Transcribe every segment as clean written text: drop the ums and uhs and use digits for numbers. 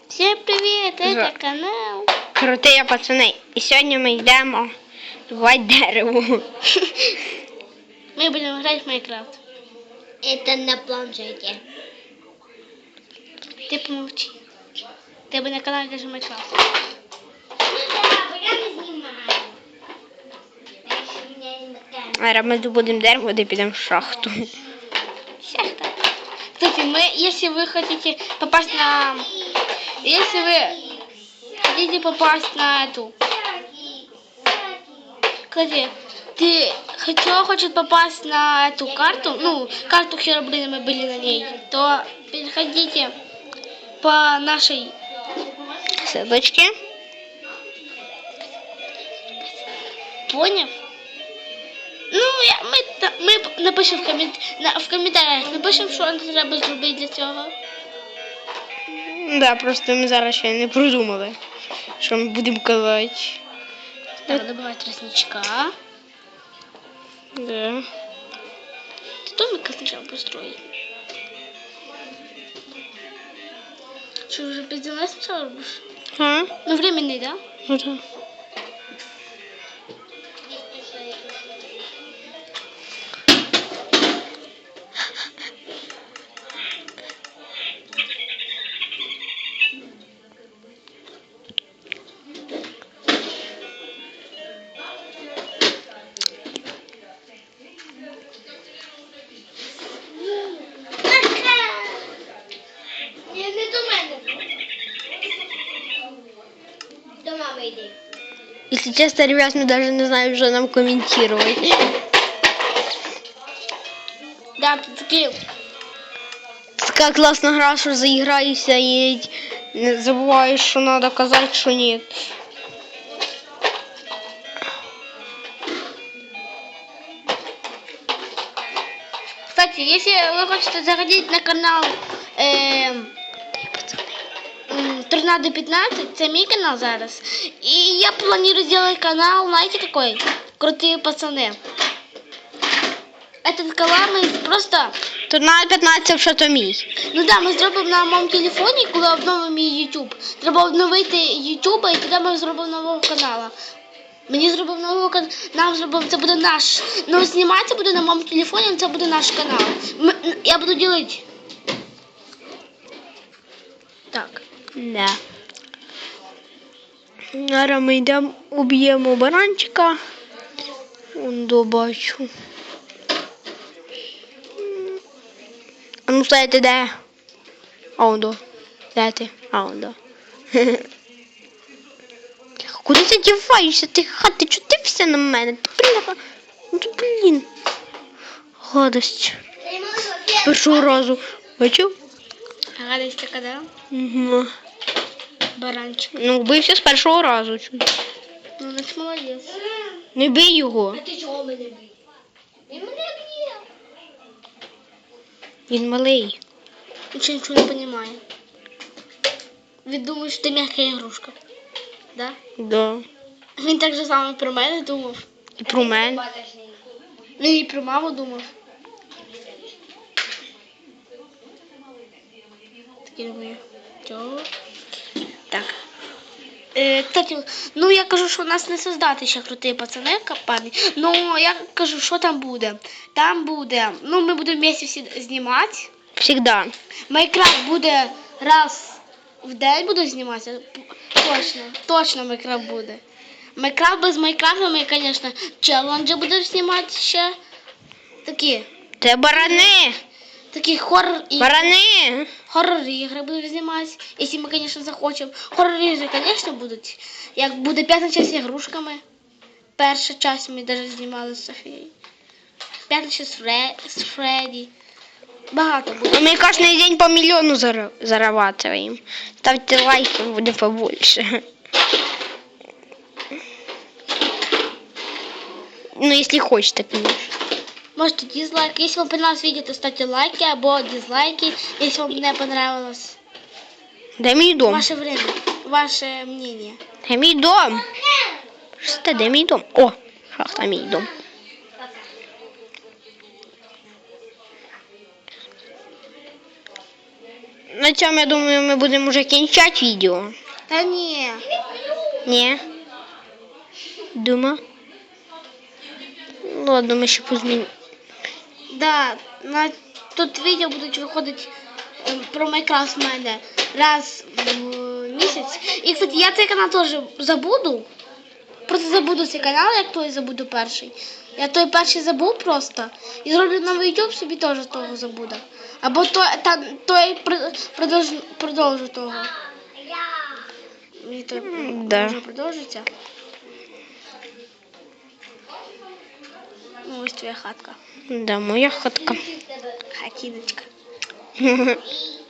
Всем привет, это канал Крутые пацани. І сьогодні ми йдемо рвати дерево. Мы будем играть в Майнкрафт. Это на планшете. Ты помолчи. Ты бы на канале даже Майнкрафт. Я не снимаю. Зараз ми добудемо дерево, де підемо в шахту. Шахта. Кстати, если вы хотите попасть на... Если вы хотите попасть на эту... Кстати, кто хочет попасть на эту карту, ну, карту Херобрина, мы были на ней, то переходите по нашей... Ссылочки. Понял? Ну, ми напишемо в коментарях, напишемо, що нам треба зробити для цього. Да, просто ми зараз ще не придумали, що ми будемо казати. Треба добавити тростничка. Да. Домик сначала построить. Что, уже пиздец сначала робишь? А? Ну, временный, да? Ну, да. Не до мене. До мами йди. Если честно, ребят, мы даже не знаем, что нам комментировать. Да, ты такие... Така класна гра, що заіграєшся і не забуваєш, що треба казати, що ні. Кстати, если вы хотите заходить на канал Торнадо 15, це мій канал зараз. И я планирую сделать канал, знаете какой? Крутые пацаны. Этот канал мы просто... Тут на 15 що то мій. Ну да, ми зробимо на моєму телефоні, коли обновимо мій YouTube. Треба обновити YouTube, і тоді ми зробимо нового каналу. Мені зробив нового каналу, нам зробив, це буде наш. Ну, зніматися буде на моєму телефоні, це буде наш канал. Я буду ділити. Так. Да. Зараз ми йдемо, уб'ємо баранчика. Он добачу. А ну стояти де? А он до. Де ти? А он до. Куди ти діваєшся? Ти хати, чутився на мене? Ти бляха. Ну ти, блін. Гадость. Першого разу. Бачив? Гадость така, да? Угу. Баранчик. Ну, вбився з першого разу. Ну, значить молодець. Не бий його. А ти чого мене б'єш? Він мене б'є. Він малий. Він ще нічого не розуміє. Він думає, що ти м'яка ігрушка. Да? Да. Він так же само про мене думав. І про мене. Він і про маму думав. Такі думаю. Чого? Так. Кстати, ну я кажу, що у нас не создати ще круті пацани, капані. Ну, я кажу, що там буде. Там буде, ну ми будемо вместе всі знімати. Всегда. Майнкрафт буде раз в день буду зніматися. Точно Майнкрафт буде. Майнкрафт без Майнкрафта ми, звісно, челенджі будемо знімати ще. Такі. Це барани. Такі хоррор-ігри. Барани. Хоррор-ігри будемо знімати, якщо ми, звісно, захочемо. Хоррор-ігри, звісно, будуть. Як буде п'ята частина з ігрушками. Перша частина ми навіть знімали з Софією. П'ята частина з Фредді. Багато буде. Ми кожен день по мільйону зарабатываем. Ставте лайки, буде побольше. Ну, если хочете, конечно. Можете дизлайк. Если вам понравилось видео, то ставьте лайки або дизлайки. Если вам не понравилось Де мій дом? ваше время, ваше мнение. Де мій дом? Що це, де мій дом? О, шахта, мій дом. на цьому, я думаю, ми будемо вже кінчати відео. Та ні. Ні? Дума? Ну, ладно, ми ще позмінимо. Да, на тут відео будуть виходити про Майнкрафт в мене раз в місяць. І, кстати, я цей канал теж забуду. Просто забуду цей канал, як той забуду перший. Я той перший забув просто. І зроблю новий YouTube, собі теж того забуду. Або той продовжу того. І той Да. може продовжиться. Ну, ось твоя хатка. Да, моя хатка. Хатиночка. І машини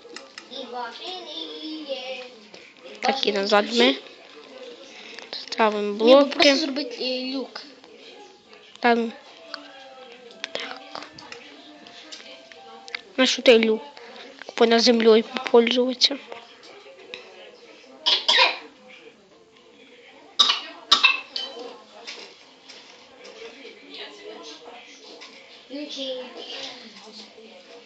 є. Так, і назад ми ставимо Ні, бо блоки. просто зробити люк. Там. Так. На що ти люк? Понад землею попользуватися. Ключі.